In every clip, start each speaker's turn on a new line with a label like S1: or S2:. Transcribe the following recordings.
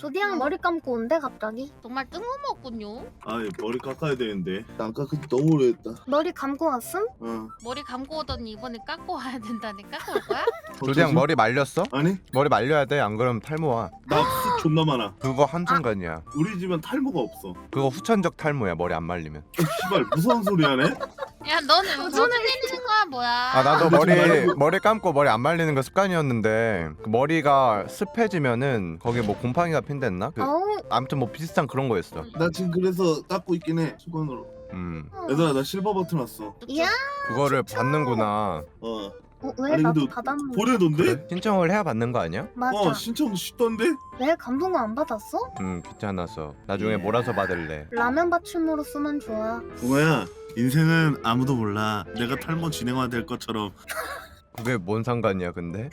S1: 조디양 머리 감고 온대 갑자기.
S2: 정말 뜬금없군요.
S3: 아이 머리 깎아야 되는데 안 깎은 지 너무 오래됐다.
S1: 머리 감고 왔음?
S2: 머리 감고 오더니 이번에 깎고 와야 된다니 깎고 올 거야?
S4: 조디양 머리 말렸어?
S3: 아니
S4: 머리 말려야 돼. 안 그러면 탈모 와.
S3: 나 숱 존나 많아.
S4: 그거 한순간이야.
S3: 우리 집은 탈모가 없어.
S4: 그거 후천적 탈모야. 머리 안 말리면.
S3: 씨발 무서운 소리 하네.
S2: 야 너는 무슨 일이는 거야 뭐야?
S4: 아 나도
S3: 그거 좀 말고.
S4: 머리 감고 머리 안 말리는 거 습관이었는데 그 머리가 습해지면은 거기 뭐 곰팡이가 핀댔나?
S1: 어우.
S4: 아무튼 뭐 비슷한 그런 거였어.
S3: 나 지금 그래서 깎고 있긴 해 수건으로. 얘들아 나 실버 버튼 왔어.
S1: 야.
S4: 그거를 받는구나.
S1: 왜
S3: 아니,
S1: 나도
S3: 근데
S1: 받았는데?
S3: 보내던데?
S4: 그래? 신청을 해야 받는 거 아니야?
S1: 맞아.
S3: 신청 쉽던데?
S1: 왜 감동을 안 받았어?
S4: 귀찮아서. 나중에 몰아서 받을래.
S1: 라면 받침으로 쓰면 좋아.
S3: 붕어야 인생은 아무도 몰라. 내가 탈모 진행화 될 것처럼
S4: 그게 뭔 상관이야 근데?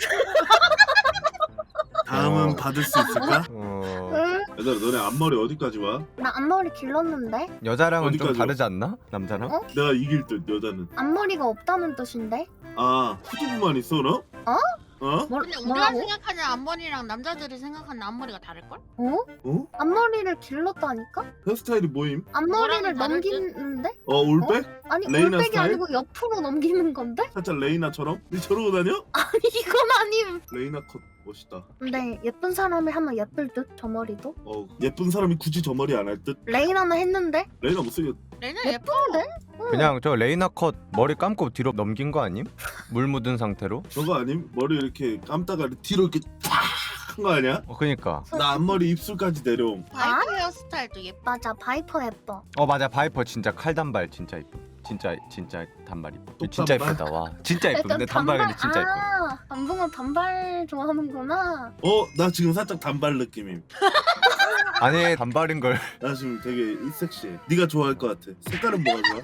S3: 다음은 받을 수 있을까?
S1: 응?
S3: 얘들아 너네 앞머리 어디까지 와?
S1: 나 앞머리 길렀는데?
S4: 여자랑은 좀
S3: 어디까지요?
S4: 다르지 않나? 남자랑?
S1: 어?
S3: 내가 이길 듯 여자는.
S1: 앞머리가 없다는 뜻인데?
S3: 아 후두부만 있어 너?
S1: 어?
S3: 어?
S2: 근데 우리가
S1: 뭐라고?
S2: 생각하는 앞머리랑 남자들이 생각하는 앞머리가 다를걸?
S1: 어?
S3: 어?
S1: 앞머리를 길렀다니까?
S3: 헤어스타일이 뭐임?
S1: 앞머리를
S2: 뭐랑 다르지?
S1: 넘기는데?
S3: 올백?
S1: 아니
S3: 레이나
S1: 올백이
S3: 스타일?
S1: 아니고 옆으로 넘기는 건데?
S3: 살짝 레이나처럼? 니 저러고 다녀?
S1: 아니 이건 아님.
S3: 레이나 컷 멋있다.
S1: 근데 예쁜 사람이 하면 예쁠 듯 저 머리도?
S3: 예쁜 사람이 굳이 저 머리 안 할 듯?
S1: 레이나는 했는데?
S3: 레이나 못생겼.
S2: 레는 예뻐.
S1: 예쁜데?
S4: 그냥 저 레이나 컷 머리 감고 뒤로 넘긴 거 아님? 물 묻은 상태로?
S3: 저거 아님? 머리 이렇게 감다가 뒤로 이렇게 탁한 거 아니야?
S4: 그니까.
S3: 나 앞머리 입술까지 내려옴.
S2: 바이프 헤어스타일도 예뻐.
S1: 맞아 바이퍼 예뻐.
S4: 맞아 바이퍼 진짜 칼단발 진짜 이뻐. 진짜 단발 이뻐.
S3: 또
S4: 진짜
S3: 단발?
S4: 이쁘다 와. 진짜 이뻐. 근데 단발이 진짜 이뻐.
S1: 아 남봉아 단발 좋아하는구나.
S3: 나 지금 살짝 단발 느낌임.
S4: 아니 단발인 걸.
S3: 나 지금 되게 섹시해. 네가 좋아할 것 같아. 색깔은 뭐가 좋아?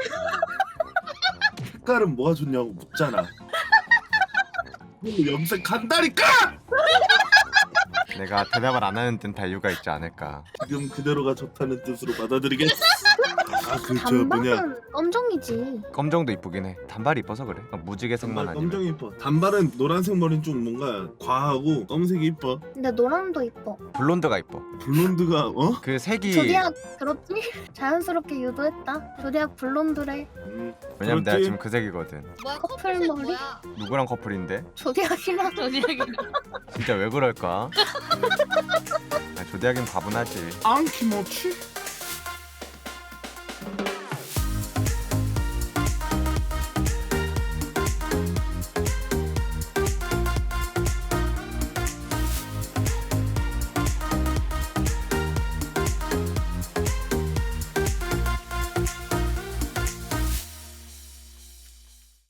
S3: 색깔은 뭐가 좋냐고 묻잖아. 염색한다니까!
S4: 내가 대답을 안 하는 듯 이유가 있지 않을까.
S3: 지금 그대로가 좋다는 뜻으로 받아들이겠어. 저 뭐냐
S1: 단발은 검정이지.
S4: 검정도 이쁘긴 해. 단발이 이뻐서 그래. 무지개색만
S3: 단발
S4: 아니면.
S3: 검정 이뻐. 단발은 노란색 머리는 좀 뭔가 과하고 검색이 이뻐.
S1: 근데 노랑도 이뻐.
S4: 블론드가 이뻐.
S3: 블론드가
S4: 그 색이.
S1: 조디악 그렇지? 자연스럽게 유도했다. 조디악 블론드래.
S4: 왜냐면 내가
S3: 그렇지?
S4: 지금 그 색이거든.
S2: 뭐야
S1: 커플
S2: 커플색
S1: 머리?
S2: 뭐야?
S4: 누구랑 커플인데?
S1: 조디악이랑
S2: 저녁이랑.
S4: 진짜 왜 그럴까? 조디하긴 과분하지.
S3: 앙키모치?